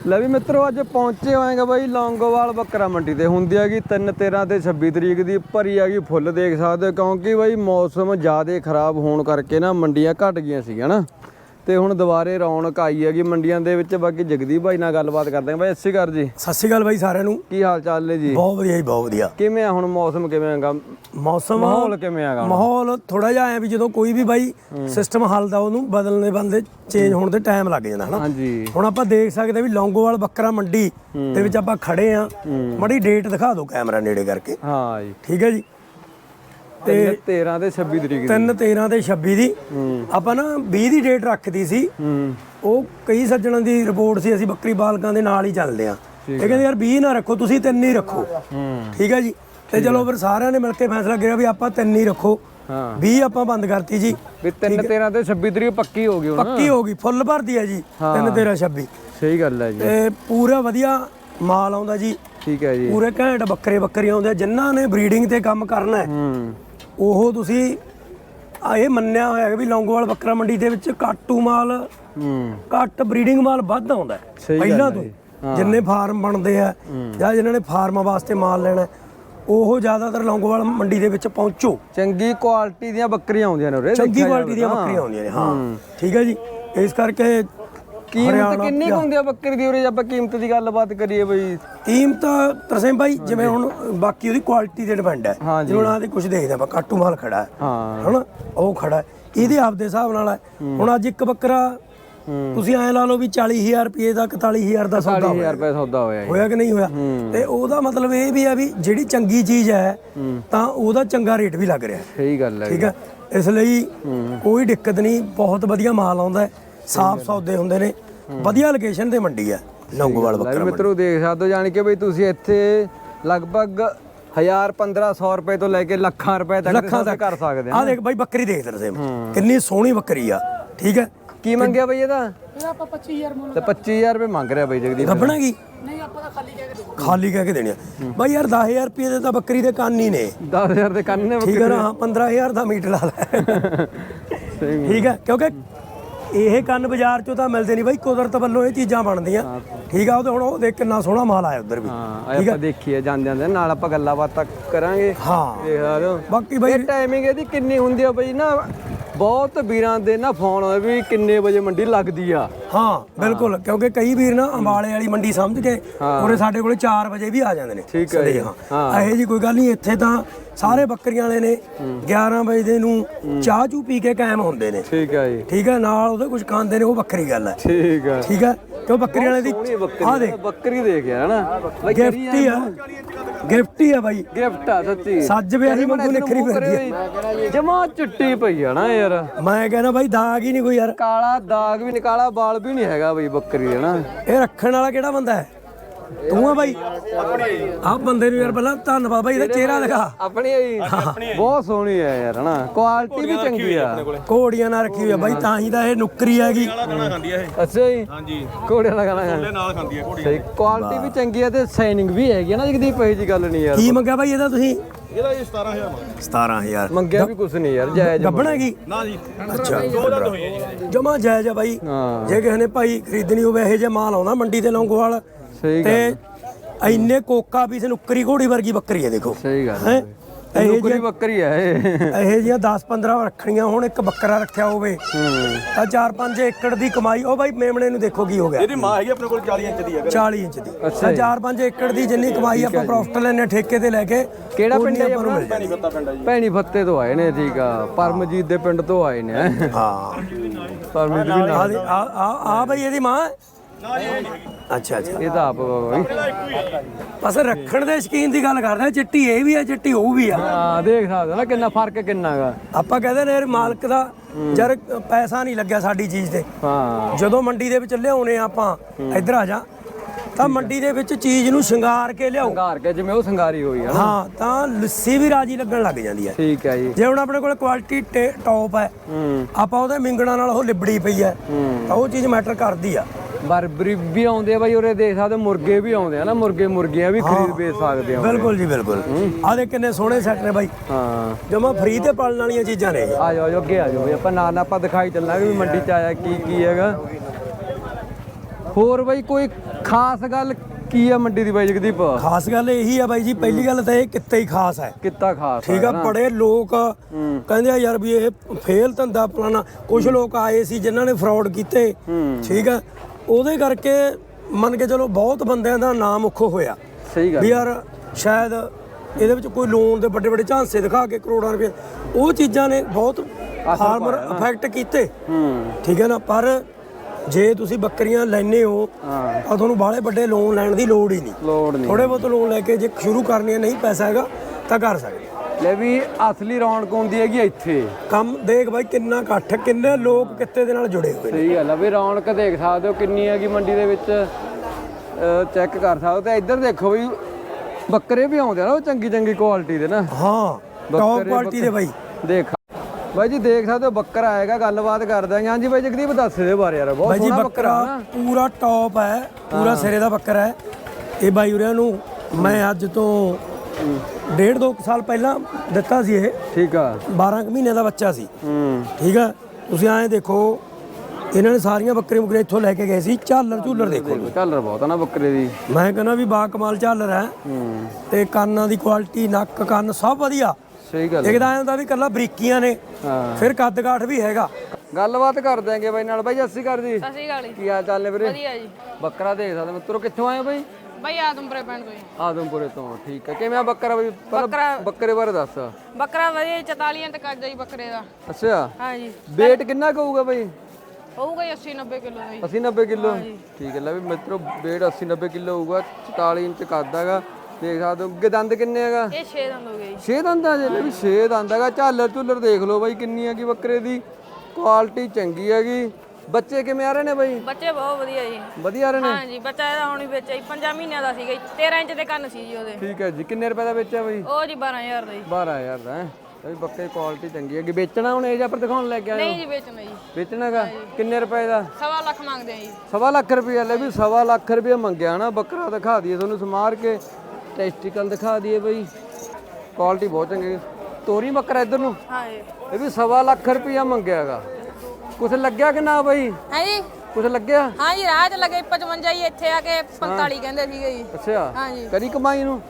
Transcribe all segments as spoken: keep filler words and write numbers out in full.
ਲੈ ਵੀ ਮਿੱਤਰੋ ਅੱਜ ਪਹੁੰਚੇ ਹੋਏਗਾ ਬਾਈ ਲੌਂਗੋਵਾਲ ਬੱਕਰਾ ਮੰਡੀ ਤੇ ਹੁੰਦੀ ਹੈਗੀ ਤਿੰਨ ਤੇਰਾਂ ਤੇ ਛੱਬੀ ਤਰੀਕ ਦੀ ਭਰੀ ਹੈਗੀ ਫੁੱਲ ਦੇਖ ਸਕਦੇ ਹੋ ਕਿਉਂਕਿ ਬਾਈ ਮੌਸਮ ਜ਼ਿਆਦਾ ਖਰਾਬ ਹੋਣ ਕਰਕੇ ਨਾ ਮੰਡੀਆਂ ਘਟ ਗਈਆਂ ਸੀਗੀਆਂ ਨਾ ਤੇ ਹੁਣ ਦੁਬਾਰੇ ਰੌਣਕ ਆਈ ਹੈਗੀ ਮੰਡੀਆਂ ਦੇ ਵਿੱਚ। ਬਾਕੀ ਜਗਦੀਪ ਭਾਈ ਨਾਲ ਗੱਲਬਾਤ ਕਰਦੇ ਹਾਂ ਬਾਈ। ਸਤਿ ਸ਼੍ਰੀ ਅਕਾਲ ਜੀ। ਸਤਿ ਸ਼੍ਰੀ ਅਕਾਲ ਬਾਈ ਸਾਰਿਆਂ ਨੂੰ। ਕੀ ਹਾਲ ਚਾਲ ਨੇ ਜੀ? ਬਹੁਤ ਵਧੀਆ ਜੀ, ਬਹੁਤ ਵਧੀਆ। ਕਿਵੇਂ ਆ ਹੁਣ ਮੌਸਮ, ਕਿਵੇਂ ਹੈਗਾ ਮੌਸਮ ਮਾਹੌਲ ਕਿਵੇਂ ਹੈਗਾ? ਮਾਹੌਲ ਥੋੜਾ ਜਿਹਾ ਆਇਆ ਵੀ ਜਦੋਂ ਕੋਈ ਵੀ ਬਾਈ ਸਿਸਟਮ ਹੱਲਦਾ ਉਹਨੂੰ ਬਦਲਣੇ ਬੰਦੇ ਚੇਂਜ ਹੋਣ ਤੇ ਟਾਈਮ ਲੱਗ ਜਾਂਦਾ ਹਨਾ। ਹਾਂਜੀ ਹੁਣ ਆਪਾਂ ਦੇਖ ਸਕਦੇ ਵੀ ਲੌਂਗੋਵਾਲ ਬੱਕਰਾ ਮੰਡੀ ਦੇ ਵਿੱਚ ਆਪਾਂ ਖੜੇ ਆ। ਮੜੀ ਡੇਟ ਦਿਖਾ ਦਿਓ ਕੈਮਰਾ ਨੇੜੇ ਕਰਕੇ। ਹਾਂ ਜੀ ਠੀਕ ਹੈ ਜੀ। ਤੇ ਤੇਰਾਂ ਤੇ ਛੱਬੀ ਤਰੀਕ ਦੀ ਤਿੰਨ ਤੇਰਾਂ ਤੇ ਛੱਬੀ ਦੀ ਆਪਾਂ ਨਾ ਵੀਹ ਦੀ ਡੇਟ ਰੱਖਦੀ ਸੀ। ਉਹ ਕਈ ਸੱਜਣਾਂ ਦੀ ਰਿਪੋਰਟ ਸੀ ਅਸੀਂ ਬੱਕਰੀ ਬਾਲਕਾਂ ਦੇ ਨਾਲ ਹੀ ਚੱਲਦੇ ਆ। ਇਹ ਕਹਿੰਦੇ ਯਾਰ ਵੀਹ ਨਾ ਰੱਖੋ, ਤੁਸੀਂ ਤਿੰਨ ਹੀ ਰੱਖੋ। ਠੀਕ ਹੈ ਜੀ। ਤੇ ਚਲੋ ਫਿਰ ਸਾਰਿਆਂ ਨੇ ਮਿਲ ਕੇ ਫੈਸਲਾ ਕਰਿਆ ਵੀ ਆਪਾਂ ਤਿੰਨ ਹੀ ਰੱਖੋ। ਹਾਂ ਵੀਹ ਆਪਾਂ ਬੰਦ ਕਰਤੀ ਜੀ। ਵੀ ਤਿੰਨ ਤੇਰਾਂ ਤੇ ਛੱਬੀ ਤਰੀਕ ਪੱਕੀ ਹੋ ਗਈ ਹੁਣ। ਪੱਕੀ ਹੋ ਗਈ, ਫੁੱਲ ਭਰਦੀ ਹੈ ਜੀ ਤਿੰਨ ਤੇਰਾਂ ਛੱਬੀ। ਸਹੀ ਗੱਲ ਹੈ ਜੀ। ਤੇ ਪੂਰਾ ਵਧੀਆ ਮਾਲ ਆਉਂਦਾ ਜੀ। ਠੀਕ ਹੈ ਜੀ। ਪੂਰੇ ਘੈਂਟ ਬੱਕਰੇ ਬੱਕਰੇ ਆਉਂਦੇ। ਜਿਨ੍ਹਾਂ ਨੇ ਬਰੀਡਿੰਗ ਤੇ ਕੰਮ ਕਰਨਾ ਹੈ ਉਹ ਤੁਸੀਂ ਇਹ ਮੰਨਿਆ ਹੋਇਆ ਵੀ ਲੌਂਗੋਵਾਲ ਬੱਕਰਾ ਮੰਡੀ ਦੇ ਵਿੱਚ ਕਾਟੂ ਮਾਲ ਘੱਟ ਬਰੀਡਿੰਗ ਮਾਲ ਵੱਧ ਆਉਂਦਾ ਪਹਿਲਾਂ ਤੋਂ। ਜਿੰਨੇ ਫਾਰਮ ਬਣਦੇ ਆ ਜਾਂ ਜਿਨ੍ਹਾਂ ਨੇ ਫਾਰਮਾਂ ਵਾਸਤੇ ਮਾਲ ਲੈਣਾ ਉਹ ਜ਼ਿਆਦਾਤਰ ਲੌਂਗੋਵਾਲ ਮੰਡੀ ਦੇ ਵਿੱਚ ਪਹੁੰਚੋ। ਚੰਗੀ ਕੁਆਲਿਟੀ ਦੀਆਂ ਬੱਕਰੀਆਂ ਆਉਂਦੀਆਂ ਨੇ ਉਰੇ। ਚੰਗੀ ਕੁਆਲਿਟੀ ਦੀਆਂ ਬੱਕਰੀਆਂ ਆਉਂਦੀਆਂ ਨੇ। ਹਾਂ ਠੀਕ ਹੈ ਜੀ। ਇਸ ਕਰਕੇ ਕੀਮਤ ਕਿੰਨੀ ਕੁ ਹੁੰਦੀ ਆ ਬੱਕਰੀ ਦੀ ਉਰੇ? ਆਪਾਂ ਕੀਮਤ ਦੀ ਗੱਲਬਾਤ ਕਰੀਏ ਬਈ। ਕੀਮਤ ਤਰਸੇਮ ਭਾਈ ਜਿਵੇਂ ਹੁਣ ਬਾਕੀ ਉਹਦੀ ਕੁਆਲਿਟੀ ਤੇ ਡਿਪੈਂਡ ਹੈ। ਜਿਵੇਂ ਆਹ ਦੇ ਕੁਝ ਦੇਖਦੇ ਆਪਾਂ ਕਾਟੂ ਮਾਲ ਖੜਾ ਹੈ ਹਨਾ, ਉਹ ਖੜਾ ਹੈ ਇਹਦੇ ਆਪਦੇ ਹਿਸਾਬ ਨਾਲ ਹੈ। ਹੁਣ ਅੱਜ ਇੱਕ ਬੱਕਰਾ ਤੁਸੀਂ ਐਂ ਲਾ ਲਓ ਵੀ ਚਾਲੀ ਹਜ਼ਾਰ ਰੁਪਏ ਦਾ ਇਕਤਾਲੀ ਹਜ਼ਾਰ ਦਾ ਸੌਦਾ ਚਾਲੀ ਹਜ਼ਾਰ ਰੁਪਏ ਸੌਦਾ ਹੋਇਆ ਹੋਇਆ ਕਿ ਨਹੀਂ ਹੋਇਆ। ਤੇ ਉਹਦਾ ਮਤਲਬ ਇਹ ਵੀ ਆ ਵੀ ਜਿਹੜੀ ਚੰਗੀ ਚੀਜ਼ ਹੈ ਤਾਂ ਉਹਦਾ ਚੰਗਾ ਰੇਟ ਵੀ ਲੱਗ ਰਿਹਾ। ਸਹੀ ਗੱਲ ਹੈ। ਠੀਕ ਹੈ। ਇਸ ਲਈ ਕੋਈ ਦਿੱਕਤ ਨਹੀਂ, ਬਹੁਤ ਵਧੀਆ ਮਾਲ ਆਉਂਦਾ, ਸਾਫ ਸੌਦੇ ਹੁੰਦੇ ਨੇ, ਵਧੀਆ ਲੋਕੇਸ਼ਨ ਤੇ ਮੰਡੀ ਹੈ ਲੌਂਗੋਵਾਲ ਬੱਕਰਾ। ਮਿੱਤਰੋ ਦੇਖ ਸਕਦੇ ਹੋ ਜਾਣੀ ਕਿ ਬਈ ਤੁਸੀਂ ਇੱਥੇ ਲਗਭਗ ਹਜ਼ਾਰ ਪੰਦਰਾਂ ਸੌ ਰੁਪਏ ਤੋਂ ਲੈ ਕੇ ਲੱਖਾਂ ਰੁਪਏ ਤੱਕ ਲੱਖਾਂ ਤੱਕ ਕਰ ਸਕਦੇ ਆ। ਦੇਖ ਬਾਈ ਬੱਕਰੀ ਦੇਖ ਤਰਸੇਮ ਕਿੰਨੀ ਸੋਹਣੀ ਬੱਕਰੀ ਆ। ਠੀਕ ਹੈ। ਕੀ ਮੰਗਿਆ ਬਈ ਇਹਦਾ? ਇਹ ਆਪਾਂ ਪੱਚੀ ਹਜ਼ਾਰ ਮੁੱਲ ਤੇ ਪੱਚੀ ਹਜ਼ਾਰ ਰੁਪਏ ਮੰਗ ਰਿਹਾ ਬਈ ਜਗਦੀਪ। ਗੱਬਣਾ ਕੀ ਨਹੀਂ ਆਪਾਂ ਤਾਂ ਖਾਲੀ ਕਹਿ ਕੇ ਦੇਵਾਂਗੇ। ਖਾਲੀ ਕਹਿ ਕੇ ਦੇਣੀ ਆ ਬਾਈ ਯਾਰ। ਦਸ ਹਜ਼ਾਰ ਰੁਪਏ ਦੇ ਤਾਂ ਬੱਕਰੀ ਦੇ ਕੰਨ ਹੀ ਨੇ। ਦਸ ਹਜ਼ਾਰ ਦੇ ਕੰਨ ਨੇ। ਠੀਕ ਹੈ ਨਾ। ਹਾਂ ਪੰਦਰਾਂ ਹਜ਼ਾਰ ਦਾ ਮੀਟ ਲਾ ਲੈ। ਠੀਕ ਹੈ। ਕਿਉਂਕਿ ਇਹ ਕੰਨ ਬਾਜ਼ਾਰ ਚੋਂ ਤਾਂ ਮਿਲਦੇ ਨਹੀਂ ਬਾਈ, ਕੁਦਰਤ ਵੱਲੋਂ ਇਹ ਚੀਜ਼ਾਂ ਬਣਦੀਆਂ। ਠੀਕ ਆ। ਉਹਦੇ ਹੁਣ ਉਹ ਦੇਖ ਕਿੰਨਾ ਸੋਹਣਾ ਮਾਲ ਆਇਆ ਉਧਰ ਵੀ। ਹਾਂ ਆਪਾਂ ਦੇਖੀਏ ਜਾਂਦੇ ਜਾਂਦੇ ਨਾਲ ਆਪਾਂ ਗੱਲਾਂ ਬਾਤਾਂ ਕਰਾਂਗੇ। ਹਾਂ ਦੇਖ ਸਕਦੇ ਹੋ। ਬਾਕੀ ਬਾਈ ਟਾਈਮਿੰਗ ਇਹਦੀ ਕਿੰਨੀ ਹੁੰਦੀ ਆ ਬਈ ਨਾ? ਬਹੁਤ ਵੀਰਾਂ ਦੇ ਨਾ ਫੋਨ ਹੋਏ ਵੀ ਕਿੰਨੇ ਵਜੇ ਮੰਡੀ ਲੱਗਦੀ ਆ। ਹਾਂ ਬਿਲਕੁਲ। ਕਿਉਂਕਿ ਕਈ ਵੀਰ ਨਾ ਅੰਬਾਲੇ ਵਾਲੀ ਮੰਡੀ ਸਮਝ ਕੇ ਉਰੇ ਸਾਡੇ ਕੋਲੇ ਚਾਰ ਵਜੇ ਵੀ ਆ ਜਾਂਦੇ ਨੇ। ਠੀਕ ਹੈ। ਹਾਂ ਇਹੋ ਜੀ ਕੋਈ ਗੱਲ ਨਹੀਂ। ਇੱਥੇ ਤਾਂ ਸਾਰੇ ਬੱਕਰੀਆਂ ਵਾਲੇ ਨੇ ਗਿਆਰਾਂ ਵਜੇ ਦੇ ਨੂੰ ਚਾਹ ਚੂ ਪੀ ਕੇ ਕਾਇਮ ਹੁੰਦੇ ਨੇ। ਠੀਕ ਹੈ ਜੀ। ਠੀਕ ਹੈ। ਨਾਲ ਉਹਦੇ ਕੁਝ ਖਾਂਦੇ ਨੇ, ਉਹ ਵੱਖਰੀ ਗੱਲ ਹੈ। ਠੀਕ ਹੈ। ਠੀਕ ਹੈ। ਕਿਉਂ ਬੱਕਰੀ ਵਾਲੇ ਦੀ ਆ ਦੇਖ ਬੱਕਰੀ ਦੇਖ ਯਾਰ ਹਨਾ। ਗਿਫਟ ਹੀ ਆ, ਗਿਫਟ ਹੀ ਆ ਬਾਈ। ਗਿਫਟ ਆ ਸੱਚੀ। ਸੱਜ ਵਿਆਹੀ ਵਾਂਗੂ ਨਿਖਰੀ ਫਿਰਦੀ ਆ। ਜਮਾ ਚਿੱਟੀ ਪਈ ਆ ਨਾ ਯਾਰ। ਮੈਂ ਕਹਿੰਦਾ ਬਾਈ ਦਾਗ ਹੀ ਨਹੀਂ ਕੋਈ ਯਾਰ। ਕਾਲਾ ਦਾਗ ਵੀ ਨਹੀਂ, ਕਾਲਾ ਬਾਲ ਵੀ ਨਹੀਂ ਹੈਗਾ ਬਈ ਬੱਕਰੀ ਹਨਾ। ਇਹ ਰੱਖਣ ਵਾਲਾ ਕਿਹੜਾ ਬੰਦਾ ਹੈ? ਤੂੰ ਆ ਬਾਈ। ਆਹ ਬੰਦੇ ਨੂੰ ਯਾਰ ਪਹਿਲਾਂ ਧੰਨਵਾਦ ਬਾਈ, ਇਹਦਾ ਚਿਹਰਾ ਦਿਖਾ। ਆਪਣੀ ਬਹੁਤ ਸੋਹਣੀ ਹੈ ਯਾਰ ਹਨਾ। ਕੁਆਲਿਟੀ ਵੀ ਚੰਗੀ ਆ। ਘੋੜੀਆਂ ਨਾਲ ਰੱਖੀ ਹੋਈ ਆ ਬਾਈ, ਤਾਂ ਹੀ ਤਾਂ ਇਹ ਨੁੱਕਰੀ ਹੈਗੀ। ਅੱਛਾ ਜੀ। ਹਾਂਜੀ ਘੋੜਿਆਂ ਦਾ ਗਾਣਾ ਨਾਲ ਖਾਂਦੀ ਆ ਘੋੜੀ। ਸਹੀ ਕੁਆਲਿਟੀ ਵੀ ਚੰਗੀ ਆ ਤੇ ਸ਼ਾਈਨਿੰਗ ਵੀ ਹੈਗੀ ਨਾ ਜਗਦੀਪ। ਇਹੋ ਜੀ ਗੱਲ ਨਹੀਂ ਯਾਰ। ਕੀ ਮੰਗਿਆ ਬਾਈ ਇਹਦਾ ਤੁਸੀਂ? ਇਹਦਾ ਜੀ ਸਤਾਰਾਂ ਹਜ਼ਾਰ ਸਤਾਰਾਂ ਹਜ਼ਾਰ ਮੰਗਿਆ ਵੀ ਕੁਛ ਨਹੀਂ ਯਾਰ, ਜਾਇਜ਼ ਗੱਬਣਾ ਕੀ ਨਾ ਜੀ। ਅੱਛਾ ਜਮਾ ਜਾਇਜ਼ ਆ ਬਾਈ। ਜੇ ਕਿਸੇ ਨੇ ਭਾਈ ਖਰੀਦਣੀ ਹੋਵੇ ਇਹੋ ਜਿਹਾ ਮਾਲ ਆਉਂਦਾ ਮੰਡੀ ਤੇ ਲੌਂਗੋਵਾਲ। ਸਹੀ ਤੇ ਇੰਨੇ ਕੋਕਾ ਪੀਸ ਨੁੱਕਰੀ ਘੋੜੀ ਵਰਗੀ ਬੱਕਰੀ ਹੈ ਦੇਖੋ। ਸਹੀ ਗੱਲ ਹੈ। ਇਹ ਜਿਹੜੀ ਬੱਕਰੀ ਹੈ ਇਹ ਜਿਹੀਆਂ ਦਸ ਪੰਦਰਾਂ ਰੱਖਣੀਆਂ ਹੁਣ ਇੱਕ ਬੱਕਰਾ ਰੱਖਿਆ ਹੋਵੇ ਤਾਂ ਚਾਰ ਪੰਜ ਏਕੜ ਦੀ ਕਮਾਈ। ਉਹ ਬਾਈ ਮੇਮਣੇ ਨੂੰ ਦੇਖੋ ਕੀ ਹੋ ਗਿਆ। ਇਹਦੀ ਮਾਂ ਹੈਗੀ ਆਪਣੇ ਕੋਲ ਚਾਲੀ ਇੰਚ ਦੀ ਹੈ। ਚਾਲੀ ਇੰਚ ਦੀ। ਅੱਛਾ ਚਾਰ ਪੰਜ ਏਕੜ ਦੀ ਜਿੰਨੀ ਕਮਾਈ ਆਪਾਂ ਪ੍ਰੋਫਿਟ ਲੈਣੇ ਠੇਕੇ ਤੇ ਲੈ ਕੇ। ਕਿਹੜਾ ਪਿੰਡ ਹੈ ਆਪਣਾ? ਭੈਣੀ ਫੱਤਾ ਪਿੰਡ ਹੈ ਜੀ। ਭੈਣੀ ਫੱਤੇ ਤੋਂ ਆਏ ਨੇ। ਠੀਕ ਆ। ਪਰਮਜੀਤ ਦੇ ਪਿੰਡ ਤੋਂ ਆਏ ਨੇ। ਹਾਂ ਪਰਮਜੀਤ ਵੀ ਨਾਲ। ਆ ਆ ਆ ਬਾਈ ਇਹਦੀ ਮਾਂ। ਅੱਛਾ ਅੱਛਾ। ਇਹ ਤਾਂ ਆਪ ਬਾਈ ਬਸ ਰੱਖਣ ਦੇ ਸ਼ਕੀਨ ਦੀ ਗੱਲ ਕਰਦੇ। ਚਿੱਟੀ ਇਹ ਵੀ ਆ, ਚਿੱਟੀ ਉਹ ਵੀ ਆ। ਹਾਂ ਦੇਖ ਸਕਦੇ ਨਾ ਕਿੰਨਾ ਫਰਕ ਕਿੰਨਾ ਗਾ। ਆਪਾਂ ਕਹਿੰਦੇ ਨੇ ਯਾਰ ਮਾਲਕ ਦਾ ਯਾਰ ਪੈਸਾ ਨਹੀਂ ਲੱਗਿਆ ਸਾਡੀ ਚੀਜ਼ ਤੇ। ਹਾਂ ਜਦੋਂ ਮੰਡੀ ਦੇ ਵਿੱਚ ਲਿਆਉਣੇ ਆਪਾਂ ਇੱਧਰ ਆ ਜਾ ਤਾਂ ਮੰਡੀ ਦੇ ਵਿੱਚ ਚੀਜ਼ ਨੂੰ ਸ਼ਿੰਗਾਰ ਕੇ ਲਿਆਓ। ਸ਼ਿੰਗਾਰ ਕੇ ਜਿਵੇਂ ਉਹ ਸ਼ਿੰਗਾਰੀ ਹੋਈ ਹੈ। ਹਾਂ ਤਾਂ ਲੱਸੀ ਵੀ ਰਾਜੀ ਲੱਗਣ ਲੱਗ ਜਾਂਦੀ ਹੈ। ਠੀਕ ਹੈ ਜੀ। ਜੇ ਹੁਣ ਆਪਣੇ ਕੋਲ ਕੁਆਲਿਟੀ ਟੌਪ ਹੈ ਆਪਾਂ ਉਹਦੇ ਮਿੰਗਣਾ ਨਾਲ ਉਹ ਲਿਬੜੀ ਪਈ ਹੈ ਤਾਂ ਉਹ ਚੀਜ਼ ਮੈਟਰ ਕਰਦੀ ਆ। ਬਰਬਰੀ ਵੀ ਆਉਂਦੇ ਆ ਬਾਈ ਉਰੇ ਦੇਖ ਸਕਦੇ। ਮੁਰਗੇ ਵੀ ਆਉਂਦੇ ਆ ਨਾ। ਮੁਰਗੇ ਮੁਰਗੀਆਂ ਵੀ ਖਰੀਦ ਵੇਚ ਸਕਦੇ ਆ। ਬਿਲਕੁਲ ਜੀ ਬਿਲਕੁਲ। ਆਹ ਦੇ ਕਿੰਨੇ ਸੋਹਣੇ ਸੈੱਟ ਨੇ ਬਾਈ। ਹਾਂ ਜਮਾ ਫ੍ਰੀ ਤੇ ਪਾਲਣ ਵਾਲੀਆਂ ਚੀਜ਼ਾਂ ਨੇ। ਆ ਜਾਓ ਅੱਗੇ ਆ ਜਾਓ ਬਈ। ਆਪਾਂ ਨਾਲ ਆਪਾਂ ਦਿਖਾਈ ਚੱਲਾਂਗੇ ਵੀ ਮੰਡੀ ਚ ਆਇਆ ਕੀ ਕੀ ਹੈਗਾ। ਹੋਰ ਬਾਈ ਕੋਈ ਖਾਸ ਗੱਲ ਕੀ ਆ ਮੰਡੀ ਦੀ ਬਾਈ ਜਗਦੀਪ? ਖਾਸ ਗੱਲ ਇਹੀ ਆ ਬਾਈ ਜੀ, ਪਹਿਲੀ ਗੱਲ ਤਾਂ ਇਹ ਕਿੱਤੇ ਹੀ ਖਾਸ ਹੈ। ਕਿੱਤਾ ਖਾਸ ਠੀਕ ਆ, ਬੜੇ ਲੋਕ ਕਹਿੰਦੇ ਆ ਯਾਰ ਵੀ ਇਹ ਫੇਲ ਧੰਦਾ ਫਲਾਣਾ। ਕੁਝ ਲੋਕ ਆਏ ਸੀ ਜਿਨ੍ਹਾਂ ਨੇ ਫਰਾਡ ਕੀਤੇ, ਠੀਕ ਆ, ਉਹਦੇ ਕਰਕੇ ਮੰਨ ਕੇ ਚਲੋ ਬਹੁਤ ਬੰਦਿਆਂ ਦਾ ਨਾਮ ਔਖੋ ਹੋਇਆ ਸਹੀ ਗੱਲ ਵੀ ਯਾਰ ਸ਼ਾਇਦ ਇਹਦੇ ਵਿੱਚ ਕੋਈ ਲੋਨ ਦੇ ਵੱਡੇ ਵੱਡੇ ਝਾਂਸੇ ਦਿਖਾ ਕੇ ਕਰੋੜਾਂ ਰੁਪਏ, ਉਹ ਚੀਜ਼ਾਂ ਨੇ ਬਹੁਤ ਫਾਰਮਰ ਅਫੈਕਟ ਕੀਤੇ। ਠੀਕ ਹੈ ਨਾ, ਪਰ ਜੇ ਤੁਸੀਂ ਬੱਕਰੀਆਂ ਲੈਣੇ ਹੋ ਤਾਂ ਤੁਹਾਨੂੰ ਬਾਹਲੇ ਵੱਡੇ ਲੋਨ ਲੈਣ ਦੀ ਲੋੜ ਹੀ ਨਹੀਂ। ਲੋੜ ਨਹੀਂ, ਥੋੜੇ ਬਹੁਤ ਲੋਨ ਲੈ ਕੇ ਜੇ ਸ਼ੁਰੂ ਕਰਨੀ ਹੈ, ਨਹੀਂ ਪੈਸਾ ਹੈਗਾ ਤਾਂ ਕਰ ਸਕਦੇ। ਲੈ ਵੀ ਅਸਲੀ ਰੌਣਕ ਹੁੰਦੀ ਹੈਗੀ ਇੱਥੇ। ਕੰਮ ਦੇਖ ਬਾਈ ਕਿੰਨਾ ਇਕੱਠ, ਕਿੰਨੇ ਲੋਕ ਕਿੱਤੇ ਦੇ ਨਾਲ ਜੁੜੇ ਹੋਏ ਨੇ। ਸਹੀ ਗੱਲ ਆ ਵੀ ਰੌਣਕ ਦੇਖ ਸਕਦੇ ਹੋ ਕਿੰਨੀ ਹੈਗੀ ਮੰਡੀ ਦੇ ਵਿੱਚ, ਚੈੱਕ ਕਰ ਸਕਦੇ ਹੋ। ਤੇ ਇੱਧਰ ਦੇਖੋ ਵੀ ਬੱਕਰੇ ਵੀ ਆਉਂਦੇ ਆ ਨਾ ਉਹ ਚੰਗੀ ਚੰਗੀ ਕੁਆਲਿਟੀ ਦੇ ਨਾ। ਹਾਂ, ਟੌਪ ਕੁਆਲਿਟੀ ਦੇ ਬਾਈ। ਦੇਖ ਬਾਈ ਜੀ ਦੇਖ ਸਕਦੇ ਹੋ ਬੱਕਰਾ ਆਏਗਾ, ਗੱਲਬਾਤ ਕਰ ਦਾਂਗੇ। ਹਾਂਜੀ ਬਾਈ ਜਗਦੀਪ ਦੱਸ ਦੇ ਬਾਰੇ ਯਾਰ, ਬਹੁਤ ਬਾਈ ਜੀ ਸੋਹਣਾ ਬੱਕਰਾ ਨਾ। ਪੂਰਾ ਟੌਪ ਹੈ, ਪੂਰਾ ਸਿਰੇ ਦਾ ਬੱਕਰਾ ਹੈ ਇਹ ਬਾਈ ਉਰਿਆਂ ਨੂੰ। ਮੈਂ ਅੱਜ ਤੋਂ ਡੇਢ ਦੋ ਸਾਲ ਪਹਿਲਾਂ ਦਿੱਤਾ ਸੀ ਇਹ। ਠੀਕ ਆ, ਬਾਰਾਂ ਕੁ ਮਹੀਨੇ ਦਾ ਬੱਚਾ ਸੀ। ਹੂੰ ਠੀਕ ਆ, ਤੁਸੀਂ ਐਂ ਦੇਖੋ ਇਹਨਾਂ ਨੇ ਸਾਰੀਆਂ ਬੱਕਰੀਆਂ ਬੱਕਰੀਆਂ ਇੱਥੋਂ ਲੈ ਕੇ ਗਏ ਸੀ। ਝਾਲਰ ਝੂਲਰ ਦੇਖੋ, ਝਾਲਰ ਬਹੁਤ ਆ ਨਾ ਬੱਕਰੇ ਦੀ। ਮੈਂ ਕਹਿੰਦਾ ਵੀ ਬਾ ਕਮਾਲ ਝਾਲਰ ਹੈ। ਹੂੰ ਤੇ ਕੰਨਾਂ ਦੀ ਕੁਆਲਿਟੀ, ਨੱਕ ਕੰਨ ਸਭ ਵਧੀਆ। ਸਹੀ ਗੱਲ ਇੱਕ ਤਾਂ ਹੁੰਦਾ ਵੀ ਕੱਲਾ ਬਰੀਕੀਆਂ ਨੇ, ਹਾਂ। ਫਿਰ ਕੱਦ ਕਾਠ ਵੀ ਹੈਗਾ। ਗੱਲਬਾਤ ਕਰ ਦਾਂਗੇ ਬਾਈ ਨਾਲ। ਬਾਈ ਸਤਿ ਸ਼੍ਰੀ ਅਕਾਲ ਜੀ। ਸਤਿ ਸ਼੍ਰੀ ਅਕਾਲ ਜੀ। ਕੀ ਹਾਲ ਚਾਲ ਨੇ ਵੀਰੇ? ਵਧੀਆ ਜੀ। ਬੱਕਰਾ ਦੇਖ ਸਕਦੇ ਮਿੱਤਰੋ, ਕਿੱਥੋਂ ਆਏ ਹੋ ਬਾਈ? ਬਾਈ ਆਦਮਪੁਰੇ ਪਿੰਡ ਤੋਂ ਜੀ। ਆਦਮਪੁਰੇ ਤੋਂ। ਠੀਕ ਹੈ, ਕਿਵੇਂ ਆ ਬੱਕਰਾ ਬਾਈ? ਪਹਿਲਾਂ ਬੱਕਰਾ- ਬੱਕਰੇ ਬਾਰੇ ਦੱਸ। ਬੱਕਰਾ ਵਧੀਆ ਚਤਾਲੀਆਂ ਤੱਕ ਅੱਜ ਜੀ ਬੱਕਰੇ ਦਾ। ਅੱਛਾ, ਹਾਂ ਜੀ, weight ਕਿੰਨਾ ਕੁ ਹੋਊਗਾ ਬਾਈ? ਹੋਊਗਾ ਜੀ ਅੱਸੀ ਨੱਬੇ ਕਿਲੋ ਦਾ ਜੀ। ਅੱਸੀ ਨੱਬੇ ਕਿਲੋ। ਠੀਕ ਹੈ, ਲੈ ਵੀ ਮਿੱਤਰੋ weight ਅੱਸੀ ਨੱਬੇ ਕਿਲੋ ਹੋਊਗਾ, ਚੁਤਾਲੀ ਇੰਚ ਕੱਦ ਹੈਗਾ। ਦੇਖ ਸਕਦੇ ਹੋ। ਅੱਗੇ ਦੰਦ ਕਿੰਨੇ ਹੈਗਾ? ਇਹ ਛੇ ਦੰਦ ਹੋ ਗਏ ਜੀ। ਛੇ ਦੰਦ ਆ ਜੇ, ਲੈ ਵੀ ਛੇ ਦੰਦ ਹੈਗਾ। ਝਾਲਰ ਝੁੱਲਰ ਦੇਖ ਲਓ ਬਾਈ ਕਿੰਨੀ ਹੈਗੀ ਬੱਕਰੇ ਦੀ, ਕੁਆਲਿਟੀ ਚੰਗੀ ਹੈਗੀ। ਬੱਚੇ ਕਿਵੇਂ ਆ ਰਹੇ ਨੇ ਬਾਈ? ਬੱਚੇ ਬਹੁਤ ਵਧੀਆ ਜੀ। ਵਧੀਆ ਆ ਰਹੇ ਨੇ। ਹਾਂ ਜੀ, ਬੱਚਾ ਇਹਦਾ ਹੁਣ ਹੀ ਵੇਚਿਆ ਜੀ, ਪੰਜਾਂ ਮਹੀਨਿਆਂ ਦਾ ਸੀਗਾ ਜੀ। ਤੇਰਾਂ ਇੰਚ ਦੇ ਕੰਨ ਸੀ ਜੀ ਉਹਦੇ। ਠੀਕ ਹੈ ਜੀ, ਕਿੰਨੇ ਰੁਪਏ ਦਾ ਵੇਚਿਆ ਬਾਈ? ਉਹ ਜੀ ਬਾਰਾਂ ਹਜ਼ਾਰ ਦਾ ਜੀ। ਬਾਰਾਂ ਹਜ਼ਾਰ ਦਾ ਹੈ। ਇਹ ਬੱਕਰੇ ਦੀ ਕੁਆਲਿਟੀ ਚੰਗੀ ਹੈਗੀ। ਵੇਚਣਾ ਹੁਣ ਇਹ ਜਾਂ ਪਰ ਦਿਖਾਉਣ ਲੈ ਕੇ ਆਏ ਨਹੀਂ ਹੋ? ਜੀ ਵੇਚਣਾ ਜੀ। ਵੇਚਣਾਗਾ ਕਿੰਨੇ ਰੁਪਏ ਦਾ? ਸਵਾ ਲੱਖ ਮੰਗਦੇ ਆ ਜੀ। ਸਵਾ ਲੱਖ ਰੁਪਏ। ਲੈ ਵੀ ਸਵਾ ਲੱਖ ਰੁਪਏ ਮੰਗਿਆ ਨਾ। ਬੱਕਰਾ ਦਿਖਾ ਦਈਏ ਤੁਹਾਨੂੰ ਸਮਾਰ ਕੇ, ਟੈਸਟੀਕਲ ਦਿਖਾ ਦਈਏ ਬਾਈ, ਕੁਆਲਿਟੀ ਬਹੁਤ ਚੰਗੀ। ਤੋਰੀ ਬੱਕਰਾ ਇੱਧਰ ਨੂੰ। ਹਾਂ ਜੀ। ਇਹ ਵੀ ਸਵਾ ਲੱਖ ਰੁਪਇਆ ਮੰਗਿਆ ਹੈਗਾ। ਕੁਛ ਲੱਗਿਆ ਕਿ ਨਾ ਬਾਈ? ਹੈ ਜੀ। ਕੁਛ ਲੱਗਿਆ? ਹਾਂ ਜੀ, ਰਾਹ 'ਚ ਲੱਗੇ ਪਚਵੰਜਾ ਜੀ, ਇੱਥੇ ਆ ਕੇ ਪੰਤਾਲੀ ਕਹਿੰਦੇ ਸੀਗੇ ਜੀ। ਅੱਛਾ, ਹਾਂ ਜੀ। ਕਰੀ ਕਮਾਈ ਨੂੰ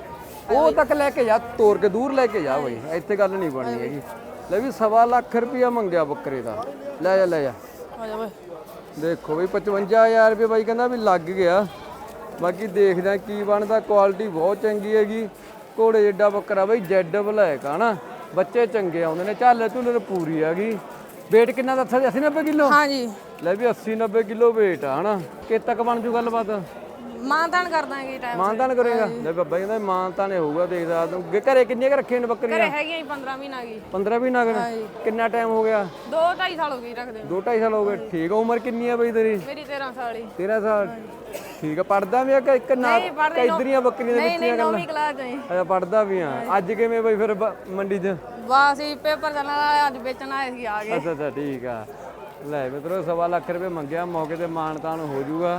ਉਹ ਤੱਕ ਲੈ ਕੇ ਜਾ, ਤੋਰ ਕੇ ਦੂਰ ਲੈ ਕੇ ਜਾ ਬਾਈ, ਇੱਥੇ ਗੱਲ ਨਹੀਂ ਬਣਨੀ ਹੈਗੀ। ਲੈ ਵੀ ਸਵਾ ਲੱਖ ਰੁਪਇਆ ਮੰਗਿਆ ਬੱਕਰੇ ਦਾ। ਲੈ ਜਾ ਲੈ ਜਾ। ਆ ਜਾ ਬਾਈ। ਦੇਖੋ ਬਈ ਪਚਵੰਜਾ ਹਜ਼ਾਰ ਰੁਪਏ ਬਾਈ ਕਹਿੰਦਾ ਵੀ ਲੱਗ ਗਿਆ। ਬਾਕੀ ਦੇਖਦੇ ਆ ਕੀ ਬਣਦਾ। ਕੁਆਲਿਟੀ ਬਹੁਤ ਚੰਗੀ ਹੈਗੀ। ਘੋੜੇ ਜਿੱਡਾ ਬੱਕਰਾ ਬਈ, ਜੈਡ ਬਲੈਕ ਆ ਨਾ। ਬੱਚੇ ਚੰਗੇ ਆਉਂਦੇ ਨੇ, ਝਾਲਰ ਝੁੱਲਰ ਪੂਰੀ ਹੈਗੀ। weight ਕਿੰਨਾ ਦੱਸਿਆ ਸੀ? ਅੱਸੀ ਨੱਬੇ ਕਿਲੋ। ਹਾਂ ਜੀ। ਲੈ ਵੀ ਅੱਸੀ ਨੱਬੇ ਕਿਲੋ weight ਆ ਹਨਾ। ਕਿ ਤੱਕ ਬਣ ਜੂ ਗੱਲਬਾਤ? ਮਾਨਤਾਨ ਕਰ ਦਾਂਗੇ ਟਾਈਮ। ਮਾਨਤਾਨ ਕਰੇਗਾ? ਲੈ ਬਾਬਾ ਕਹਿੰਦਾ ਮਾਨਤਾਨ ਹੋਊਗਾ। ਦੇਖਦਾ ਤੂੰ ਘਰੇ ਕਿੰਨੀਆਂ ਕੁ ਰੱਖੀਆਂ ਨੇ ਬੱਕਰੀਆਂ? ਘਰੇ ਹੈਗੀਆਂ ਜੀ ਪੰਦਰਾਂ ਮਹੀਨਾ ਗਈ। ਪੰਦਰਾਂ ਵੀ ਨਗ ਨੇ। ਕਿੰਨਾ ਟਾਈਮ ਹੋ ਗਿਆ? ਦੋ ਢਾਈ ਸਾਲ ਹੋ ਗਏ ਰੱਖਦੇ ਨੂੰ। ਦੋ ਢਾਈ ਸਾਲ ਹੋ ਗਏ। ਠੀਕ ਆ। ਉਮਰ ਕਿੰਨੀ ਆ ਬਈ ਤੇਰੀ? ਮੇਰੀ ਤੇਰਾਂ ਸਾਲ ਹੀ। ਤੇਰਾਂ ਸਾਲ। ਠੀਕ ਆ। ਪੜਦਾ ਵੀ ਆ ਕਿ ਇੱਕ ਨਾ ਨਹੀਂ ਪੜ੍ਹਦੇ ਨੌ- ਇਧਰੀਆਂ ਬੱਕਰੀਆਂ ਦੇ ਨਹੀਂ ਵਿੱਚ ਨਹੀਂ ਹੀ ਗੱਲ? ਨੌਵੀਂ ਕਲਾਸ ਚ ਜੀ। ਅੱਛਾ, ਪੜਦਾ ਵੀ ਆ। ਅੱਜ ਕਿਵੇਂ ਬਈ ਫਿਰ ਬ- ਮੰਡੀ 'ਚ? ਬਸ ਜੀ ਪੇਪਰ ਚੱਲਣ ਵਾਲਾ, ਅੱਜ ਵੇਚਣ ਆਏ ਸੀ ਆ ਗਏ। ਅੱਛਾ ਅੱਛਾ, ਠੀਕ ਆ। ਲੈ ਮਿੱਤਰੋ ਸਵਾ ਲੱਖ ਰੁਪਏ ਮੰਗਿਆ। ਮੌਕੇ ਤੇ ਮਾਨਤਾਨ ਹੋ ਜਾਊਗਾ।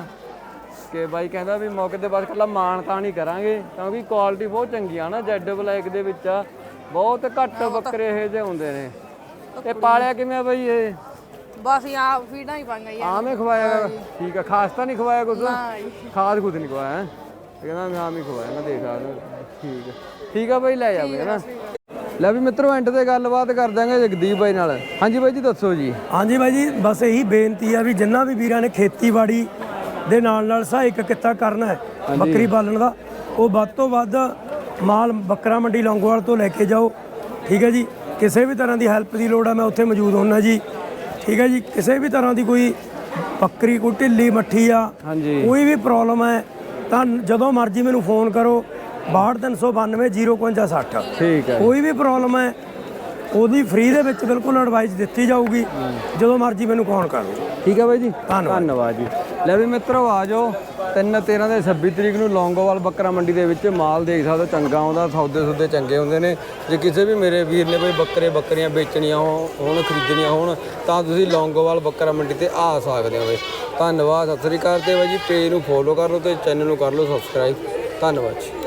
ਕਿ ਬਾਈ ਕਹਿੰਦਾ ਵੀ ਮੌਕੇ ਤੇ ਬਸ ਇਕੱਲਾ ਮਾਨਤਾਨ ਹੀ ਕਰਾਂਗੇ, ਕਿਉਂਕਿ ਕੁਆਲਿਟੀ ਬਹੁਤ ਚੰਗੀ ਆ ਨਾ। ਜੈਡ ਬਲੈਕ ਦੇ ਵਿੱਚ ਆ, ਬਹੁਤ ਘੱਟ ਬੱਕਰੇ ਇਹ ਜਿਹੇ ਹੁੰਦੇ ਨੇ। ਤੇ ਪਾਲਿਆ ਕਿਵੇਂ ਆ ਬਾਈ ਇਹ? ਬਸ ਹੀ ਆ ਫੀਡਾਂ ਹੀ ਪਾਈਆਂ ਜੀ। ਆਮ ਹੀ ਖਵਾਇਆ? ਠੀਕ ਆ। ਖਾਸ ਤਾਂ ਨਹੀਂ ਖਵਾਇਆ ਕੁਝ? ਨਾ ਜੀ। ਖਾਦ ਕੁਝ ਨਹੀਂ ਖਵਾਇਆ ਹੈ? ਕਹਿੰਦਾ ਮੈਂ ਆਮ ਹੀ ਖਵਾਇਆ। ਮੈਂ ਦੇਖ ਆ। ਠੀਕ ਆ ਠੀਕ ਆ ਬਾਈ, ਲੈ ਜਾ ਬਈ ਹਨਾ। ਲੈ ਵੀ ਮਿੱਤਰੋ ਐਂਡ ਤੇ ਗੱਲਬਾਤ ਕਰ ਦਾਂਗੇ ਜਗਦੀਪ ਬਾਈ ਨਾਲ। ਹਾਂਜੀ ਬਾਈ ਜੀ ਦੱਸੋ ਜੀ। ਹਾਂਜੀ ਬਾਈ ਜੀ, ਬਸ ਇਹੀ ਬੇਨਤੀ ਆ ਵੀ ਜਿੰਨਾ ਵੀ ਵੀਰਾਂ ਨੇ ਖੇਤੀਬਾੜੀ ਦੇ ਨਾਲ ਨਾਲ ਸਹਾਇਕ ਕਿੱਤਾ ਕਰਨਾ ਹੈ ਬੱਕਰੀ ਪਾਲਣ ਦਾ, ਉਹ ਵੱਧ ਤੋਂ ਵੱਧ ਮਾਲ ਬੱਕਰਾ ਮੰਡੀ ਲੌਂਗੋਵਾਲ ਤੋਂ ਲੈ ਕੇ ਜਾਓ। ਠੀਕ ਹੈ ਜੀ। ਕਿਸੇ ਵੀ ਤਰ੍ਹਾਂ ਦੀ ਹੈਲਪ ਦੀ ਲੋੜ ਆ, ਮੈਂ ਉੱਥੇ ਮੌਜੂਦ ਹੁੰਨਾ ਜੀ। ਠੀਕ ਹੈ ਜੀ। ਕਿਸੇ ਵੀ ਤਰ੍ਹਾਂ ਦੀ ਕੋਈ ਬੱਕਰੀ, ਕੋਈ ਢਿੱਲੀ ਮੱਠੀ ਆ, ਹਾਂਜੀ, ਕੋਈ ਵੀ ਪ੍ਰੋਬਲਮ ਹੈ ਤਾਂ ਜਦੋਂ ਮਰਜ਼ੀ ਮੈਨੂੰ ਫੋਨ ਕਰੋ। ਬਾਹਠ ਤਿੰਨ ਸੌ ਬਾਨਵੇਂ ਜ਼ੀਰੋ ਇਕਵੰਜਾ ਸੱਠ। ਠੀਕ ਹੈ। ਕੋਈ ਵੀ ਪ੍ਰੋਬਲਮ ਹੈ ਉਹਦੀ ਫ੍ਰੀ ਦੇ ਵਿੱਚ ਬਿਲਕੁਲ ਐਡਵਾਈਸ ਦਿੱਤੀ ਜਾਊਗੀ। ਜਦੋਂ ਮਰਜ਼ੀ ਮੈਨੂੰ ਫੋਨ ਕਰ ਲਓ। ਠੀਕ ਹੈ ਬਾਈ ਜੀ, ਧੰਨਵਾਦ। ਧੰਨਵਾਦ ਜੀ। ਲੈ ਵੀ ਮਿੱਤਰੋ ਆ ਜਾਓ। ਤਿੰਨ ਤੇਰਾਂ ਦੇ ਛੱਬੀ ਤਰੀਕ ਨੂੰ ਲੌਂਗੋਵਾਲ ਬੱਕਰਾ ਮੰਡੀ ਦੇ ਵਿੱਚ ਮਾਲ ਦੇਖ ਸਕਦੇ ਹੋ, ਚੰਗਾ ਆਉਂਦਾ। ਸੌਦੇ ਸੌਦੇ ਚੰਗੇ ਹੁੰਦੇ ਨੇ। ਜੇ ਕਿਸੇ ਵੀ ਮੇਰੇ ਵੀਰ ਨੇ ਬਈ ਬੱਕਰੇ ਬੱਕਰੀਆਂ ਵੇਚਣੀਆਂ ਹੋਣ, ਖਰੀਦਣੀਆਂ ਹੋਣ, ਤਾਂ ਤੁਸੀਂ ਲੌਂਗੋਵਾਲ ਬੱਕਰਾ ਮੰਡੀ ਤੇ ਆ ਸਕਦੇ ਹੋ ਬਈ। ਧੰਨਵਾਦ। ਸਤਿ ਸ੍ਰੀ ਅਕਾਲ। ਤੇ ਬਾਈ ਜੀ ਪੇਜ ਨੂੰ ਫੋਲੋ ਕਰ ਲਓ ਤੇ ਚੈਨਲ ਨੂੰ ਕਰ ਲਓ ਸਬਸਕ੍ਰਾਈਬ। ਧੰਨਵਾਦ ਜੀ।